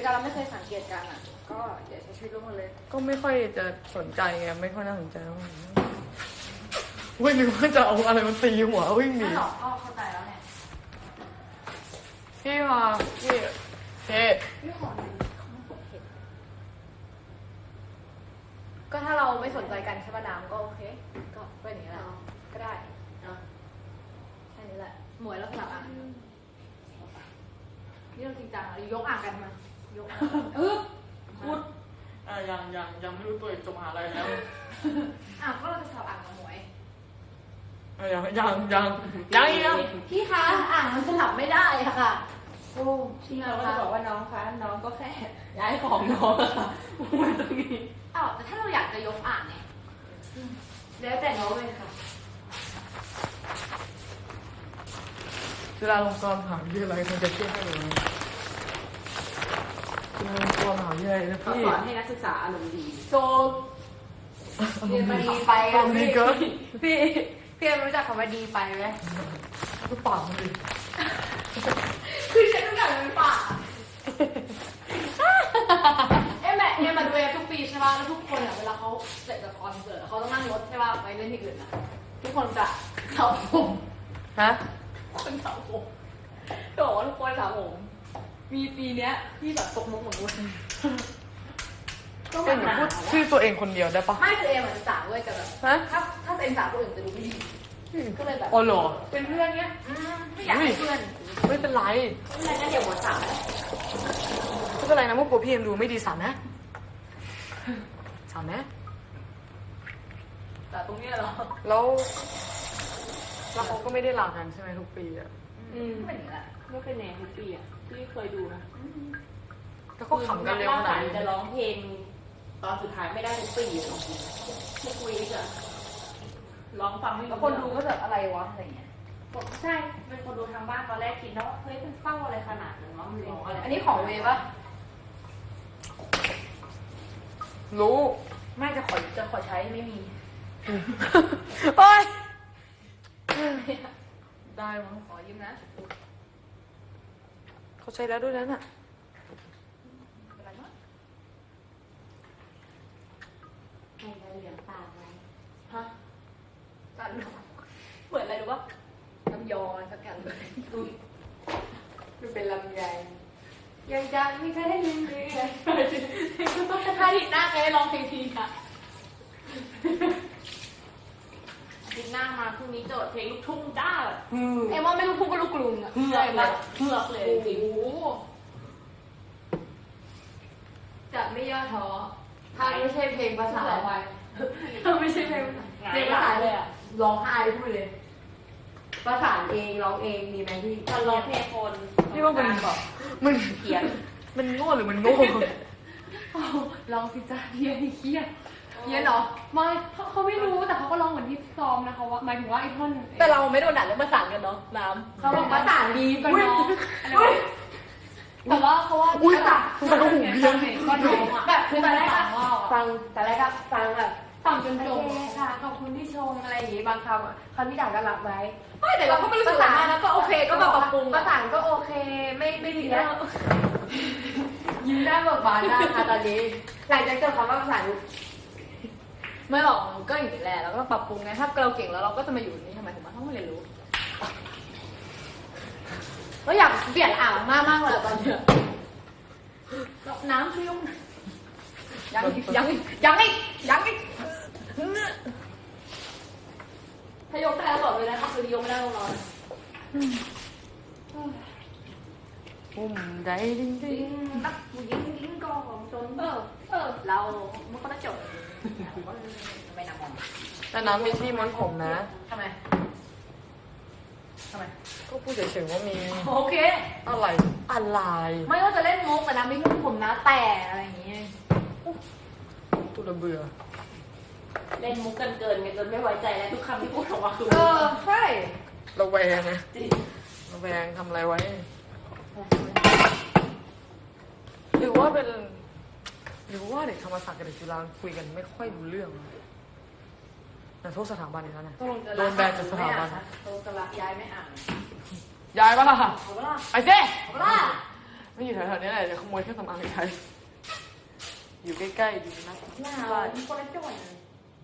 กันเราไม่เคยสังเกตกันอ่ะก็อย่าใช้ชีวิตร่วมกันเลยก็ไม่ค่อยจะสนใจไงไม่ค่อยน่าสนใจแล้ววิ่งนึกว่าจะเอาอะไรมันตีหัววิ่งหนีไม่หรอกก็เข้าใจแล้วเนี่ยพี่มาพี่ไม่ขอหนึ่งเขาไม่เห็นก็ถ้าเราไม่สนใจกันใช่ป่ะน้ำก็โอเคก็เป็นอย่างนี้แหละก็ได้แค่นี้แหละหมวยแล้วสลับอ่างนี่เราจริงจังเรายกอ่างกันมายกพูดยังไม่รู้ตัวเองจบมหาอะไรแล้วก็เราจะสลับอ่างกับหมวยยังพี่คะอ่างมันสลับไม่ได้ค่ะโอ้ที่เราก็จะบอกว่าน้องคะน้องก็แค่ย้ายของน้องค่ะมาตรงนี้แต่ถ้าเราอยากจะยกอ่างเนี่ยแล้วแต่น้องเลยค่ะจุฬาลงกรณ์มหาวิทยาลัยมันจะเชื่อให้เลยจุฬาลงกรณ์มหาวิทยาลัยนะเขาพี่สอนให้นักศึกษาอารมณ์ดีโซเรียนมาดีไปพี่รู้จักคำว่าดีไปไหมก็ปากมันดิคือฉันรู้จักมันปากแม่มาดูทุกปีใช่ป่ะแล้วทุกคนเวลาเขาเสร็จจากคอนเสิร์ตเขาต้องนั่งรถใช่ป่ะไปเล่นที่อื่นทุกคนจะสระผมคนสระผมบอกว่าทุกคนสระผมมีปีเนี้ยที่แบบตกมุกเหมือนกันก็เป็นอย่างพูดชื่อตัวเองคนเดียวได้ปะไม่ตัวเองเหมือนสาวด้วยแต่แบบถ้าเป็นสาวคนอื่นจะดูไม่ดีก็เลยแบบอ๋อเหรอเป็นเพื่อนเนี้ยไม่อยากเป็นเพื่อนไม่เป็นไรงั้นเดี๋ยวหมดสาวไม่เป็นไรนะมุกกลัวพี่เอ็มดูไม่ดีสามนะแต่ตรงนี้เหรอแล้วเขาก็ไม่ได้ลากันใช่ไหมทุกปีอ่ะเป็นอย่างนี้แหละไม่เป็นแนวทุกปีอ่ะพี่เคยดูนะแล้วก็ขำกันเร็วขนาดนี้จะร้องเพลงตอนสุดท้ายไม่ได้ทุกปีของจริงทุกวีคอะร้องฟังไม่รู้คนดูก็แบบอะไรวะอะไรเงี้ยใช่เป็นคนดูทางบ้านตอนแรกคิดนะว่าเฮ้ยมันเศร้าอะไรขนาดนั้นวะมันร้องอะไรอันนี้ของเวปะรู้ไม่จะขอใช้ไม่มีโอ๊ยได้มั้งขอยืมนะเขาใช้แล้วด้วยนั้นอ่ะอะไรมั้งให้เราเหลืองปากไว้กันเหมือนอะไรรู้ปะลำยองสักอย่างเลยมันเป็นลำไยยังจะไม่เคยได้ยินเลยก็ต้องท่าที่หน้าเคยร้องเพลงทีค่ะดิหน้ามาพรุ่งนี้โจทย์เพลงลูกทุ่งจ้าว่าไม่ลูกทุ่งก็ลูกกรุงอ่ะเฮือกเลยจริงจะไม่ย่อท้อถ้าไม่ใช่เพลงภาษาถ้าไม่ใช่เพลงภาษาเลยอ่ะร้องไห้พูดเลยประสานเองร้องเองมีไหมที่ตอนร้องเพลงคนพี่ว่ามันเขียนมันโง่หรือมันโง่ร้องสิจ้าเฮียนี่เครียดเฮียเหรอไม่เขาไม่รู้แต่เขาก็ร้องเหมือนที่ซ้อมนะคะว่าหมายถึงว่าไอ้ท่อนแต่เราไม่โดนด่าเรื่องประสานกันเนาะน้ำเขาบอกประสานดีกันเนาะแต่ว่าเขาว่าอุ้ยตาก็หูเบี้ยก็น้องอ่ะแบบคือตอนแรกฟังแบบฟังจนจบค่ะขอบคุณที่ชมอะไรอย่างงี้บางคำที่ด่าก็รับไว้ไม่แต่เราก็ไม่รู้สึกอะไรนะก็โอเคก็แบบปรับปรุงประสานก็โอเคไม่ดีนะยิ้มได้เบิกบานได้ค่ะตอนนี้หลังจากเจอคำว่าประสานไม่หรอกก็อย่างนี้แหละเราก็ปรับปรุงไงถ้าเราเก่งแล้วเราก็จะมาอยู่นี่ทำไมถึงมาต้องมาเรียนรู้ก็อยากเปลี่ยนอ่างมากเลยตอนนี้น้ำช่วยยกยังอีกถ้ายกได้แล้วบอกเลยนะถ้าคือยกไม่ได้ลงนอนใจดิ้งนักผู้หญิงก็ของจนเรามันก็ได้จบไม่นำมองแต่น้ำมีที่ม้วนผมนะทำไมก็พูดเฉยๆว่ามีโอเคอะไรไม่ว่าจะเล่นมุกแต่น้ำไม่มุกผมนะแต่อะไรอย่างงี้ตัวระเบื่อเล่นมุกกันเกินจนไม่ไว้ใจแล้วทุกคำที่พูดออกมาคือใช่ระแวงนะระแวงทำอะไรไว้หรือว่าเด็กธรรมศาสตร์กับเด็กจุฬาคุยกันไม่ค่อยรู้เรื่องแต่โทษสถาบันอีกแล้วนะโดนแบนจากสถาบันโดนกระย้ายไม่อ่านย้ายปะล่ะไปสิไม่อยู่แถวๆนี้แหละจะขโมยเครื่องสำอางไปใช้อยู่ใกล้ๆดีนะหนาวคนละจังหวัดเลย